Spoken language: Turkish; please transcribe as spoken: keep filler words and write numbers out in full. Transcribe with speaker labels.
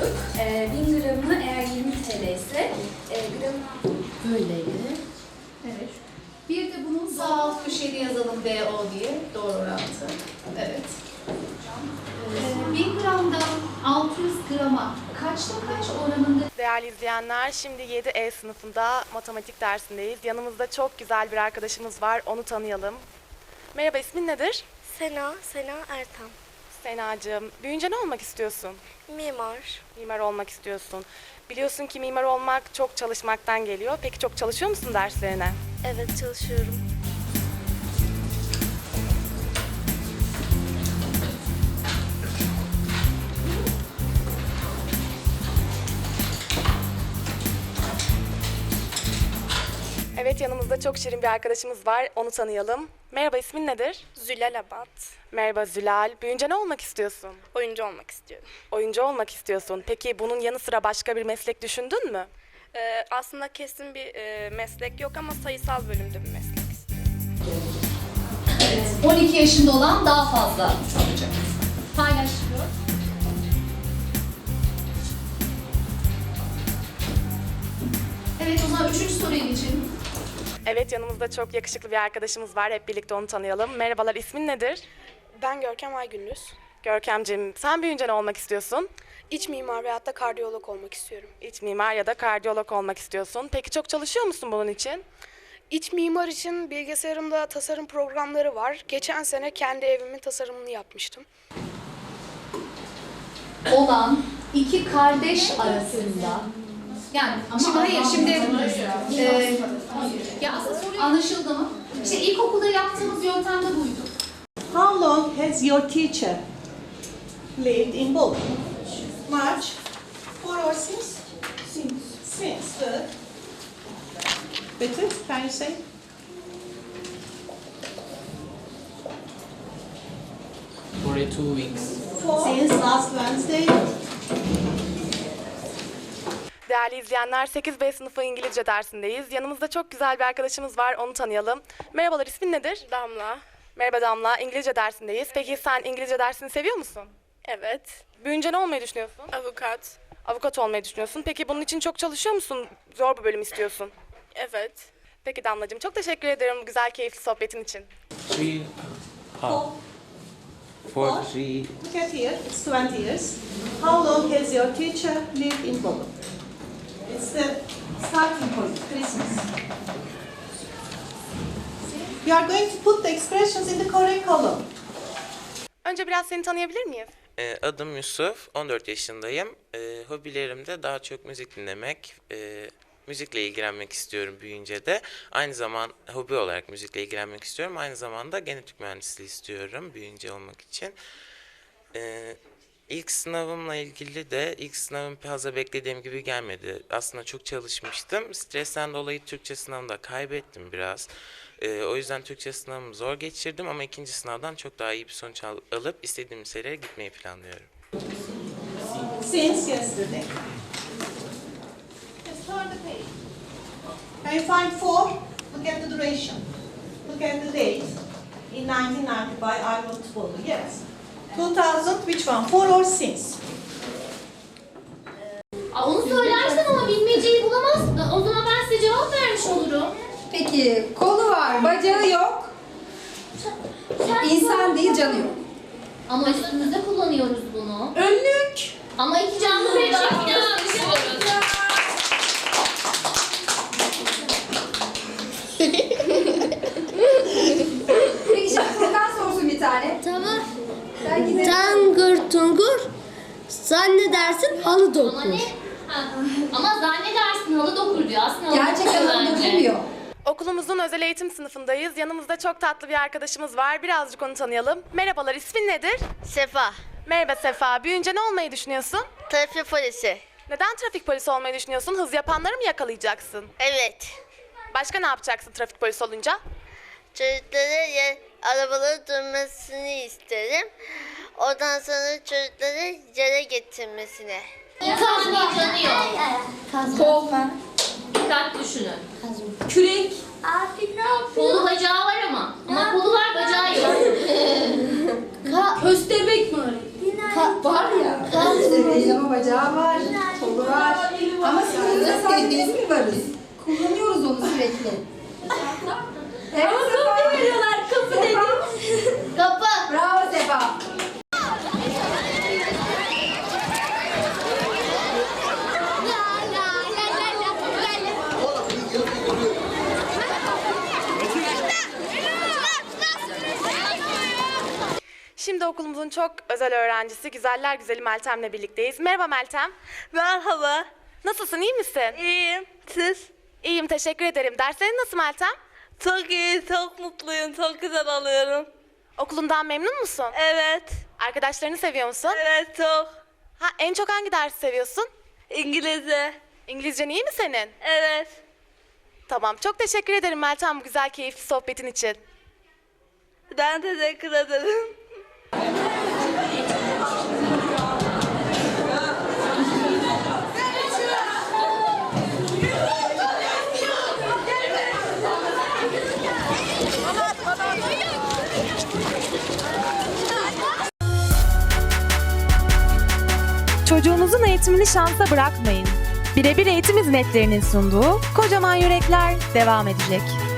Speaker 1: koyduk. E, bin gramı eğer yirmi T L ise e, gramı
Speaker 2: böyleydi. Evet. Bir de bunun sağ alt köşede yazalım D O diye. Doğru orantı. Evet. Ee, bin gramdan altı yüz grama kaçta kaç oranında?
Speaker 3: Değerli izleyenler, şimdi yedi E sınıfında matematik dersindeyiz. Yanımızda çok güzel bir arkadaşımız var, onu tanıyalım. Merhaba, ismin nedir?
Speaker 4: Sena, Sena Ertan.
Speaker 3: Senacığım, büyüyünce ne olmak istiyorsun?
Speaker 4: Mimar.
Speaker 3: Mimar olmak istiyorsun. Biliyorsun ki mimar olmak çok çalışmaktan geliyor. Peki çok çalışıyor musun derslerine?
Speaker 4: Evet, çalışıyorum.
Speaker 3: Evet, yanımızda çok şirin bir arkadaşımız var, onu tanıyalım. Merhaba, ismin nedir?
Speaker 4: Zülal Abad.
Speaker 3: Merhaba Zülal. Büyüyünce ne olmak istiyorsun?
Speaker 4: Oyuncu olmak istiyorum.
Speaker 3: Oyuncu olmak istiyorsun. Peki bunun yanı sıra başka bir meslek düşündün mü?
Speaker 4: Ee, aslında kesin bir e, meslek yok ama sayısal bölümde bir meslek istiyorum.
Speaker 2: Evet. on iki yaşında olan daha fazla alacak. Paylaşıyor. Evet, o zaman üçüncü soruya geçelim.
Speaker 3: Evet, yanımızda çok yakışıklı bir arkadaşımız var. Hep birlikte onu tanıyalım. Merhabalar, ismin nedir?
Speaker 4: Ben Görkem Aygündüz.
Speaker 3: Görkemciğim, sen büyüyünce ne olmak istiyorsun?
Speaker 4: İç mimar veyahut da kardiyolog olmak istiyorum.
Speaker 3: İç mimar ya da kardiyolog olmak istiyorsun. Peki çok çalışıyor musun bunun için?
Speaker 4: İç mimar için bilgisayarımda tasarım programları var. Geçen sene kendi evimin tasarımını yapmıştım.
Speaker 2: Olan iki kardeş arasında, yani ama şimdi hayır şimdi e, ya aslında soru anlaşıldı mı? İşte ilkokulda yaptığımız yöntem de buydu.
Speaker 5: How long has your teacher lived in Bolu? Much? Four or six? Since. Since. Good. Better, can you say?
Speaker 6: forty-two weeks.
Speaker 5: Since last Wednesday.
Speaker 3: Değerli izleyenler, sekiz B sınıfı İngilizce dersindeyiz. Yanımızda çok güzel bir arkadaşımız var, onu tanıyalım. Merhabalar, ismin nedir?
Speaker 4: Damla.
Speaker 3: Merhaba Damla, İngilizce dersindeyiz. Peki sen İngilizce dersini seviyor musun?
Speaker 4: Evet.
Speaker 3: Büyüyünce ne olmayı düşünüyorsun?
Speaker 4: Avukat.
Speaker 3: Avukat olmayı düşünüyorsun. Peki bunun için çok çalışıyor musun? Zor bir bölüm istiyorsun.
Speaker 4: Evet.
Speaker 3: Peki Damlacığım, çok teşekkür ederim bu güzel, keyifli sohbetin için.
Speaker 6: Three,
Speaker 5: Four.
Speaker 6: four, three.
Speaker 5: Look at here, it's twenty years. How long has your teacher lived in Bolu? It's the starting point, Christmas. You are going to put the expressions in the correct column.
Speaker 3: Önce biraz seni tanıyabilir miyiz?
Speaker 7: Ee, Adım Yusuf, on dört yaşındayım. Ee, hobilerim de daha çok müzik dinlemek, e, müzikle ilgilenmek istiyorum büyüyünce de. Aynı zaman hobi olarak müzikle ilgilenmek istiyorum. Aynı zamanda genetik mühendisliği istiyorum büyüyünce olmak için. Ee, ilk sınavımla ilgili de ilk sınavım fazla beklediğim gibi gelmedi. Aslında çok çalışmıştım. Stresten dolayı Türkçe sınavında kaybettim biraz. Ee, o yüzden Türkçe sınavımı zor geçirdim ama ikinci sınavdan çok daha iyi bir sonuç al- alıp istediğim liseye gitmeyi planlıyorum.
Speaker 5: Since yesterday. Just turn the page. Can you find four? Look at the duration. Look at the date. In nineteen ninety by Ivan Tupolu. Yes. two thousand, which one? Four or since?
Speaker 8: Aa, onu söylersen ama bilmeceyi bulamazsın. O zaman ben size cevap vermiş olurum.
Speaker 9: Peki kolu var, bacağı yok,
Speaker 8: Sen
Speaker 9: insan değil canı yok.
Speaker 8: Ama üstümüzde kullanıyoruz bunu.
Speaker 9: Önlük.
Speaker 8: Ama iki canlı bir çift gösteriyoruz.
Speaker 9: Peki şimdi Furkan sorsun bir tane.
Speaker 10: Tamam.
Speaker 9: Belki de...
Speaker 10: Tangır tungur zannedersin halı
Speaker 8: Ama
Speaker 10: dokur.
Speaker 8: ne? Ha. Ama zannedersin halı dokur diyor. Aslında halı
Speaker 9: Gerçekten
Speaker 8: dokuyor
Speaker 9: onu
Speaker 8: bence.
Speaker 9: dokunmuyor.
Speaker 3: Okulumuzun özel eğitim sınıfındayız. Yanımızda çok tatlı bir arkadaşımız var. Birazcık onu tanıyalım. Merhabalar, ismin nedir?
Speaker 10: Sefa.
Speaker 3: Merhaba Sefa. Büyüyünce ne olmayı düşünüyorsun?
Speaker 10: Trafik polisi.
Speaker 3: Neden trafik polisi olmayı düşünüyorsun? Hız yapanları mı yakalayacaksın?
Speaker 10: Evet.
Speaker 3: Başka ne yapacaksın trafik polisi olunca?
Speaker 10: Çocukları ya, arabaları durmasını isterim. Ondan sonra çocukları yere getirmesine.
Speaker 8: İnsan yıkanıyor.
Speaker 9: Kovma.
Speaker 8: Dikkat düşünün.
Speaker 9: Kürek.
Speaker 10: Abi ne yapıyorsun?
Speaker 8: Kolu bacağı var ama. Ama kolu var bacağı yok.
Speaker 9: Köstebek mi öyle? Var ya. İşte değil ama bacağı var. Kolu var. Ama sınırında sadece biz mi varız? Kullanıyoruz onu sürekli. Evet Sefa.
Speaker 8: veriyorlar kapı dedi. Kapı.
Speaker 9: Bravo Sefa.
Speaker 3: Şimdi okulumuzun çok özel öğrencisi Güzeller Güzeli Meltem'le birlikteyiz. Merhaba Meltem.
Speaker 10: Merhaba.
Speaker 3: Nasılsın, iyi misin?
Speaker 10: İyiyim. Siz?
Speaker 3: İyiyim, teşekkür ederim. Derslerin nasıl Meltem?
Speaker 10: Çok iyi, çok mutluyum, çok güzel alıyorum.
Speaker 3: Okulundan memnun musun?
Speaker 10: Evet.
Speaker 3: Arkadaşlarını seviyor musun?
Speaker 10: Evet, çok.
Speaker 3: Ha, en çok hangi dersi seviyorsun?
Speaker 10: İngilizce.
Speaker 3: İngilizcen iyi mi senin?
Speaker 10: Evet.
Speaker 3: Tamam, çok teşekkür ederim Meltem bu güzel keyifli sohbetin için.
Speaker 10: Ben teşekkür ederim.
Speaker 3: Çocuğunuzun eğitimini şansa bırakmayın. Birebir eğitim hizmetlerinin sunduğu Kocaman Yürekler devam edecek.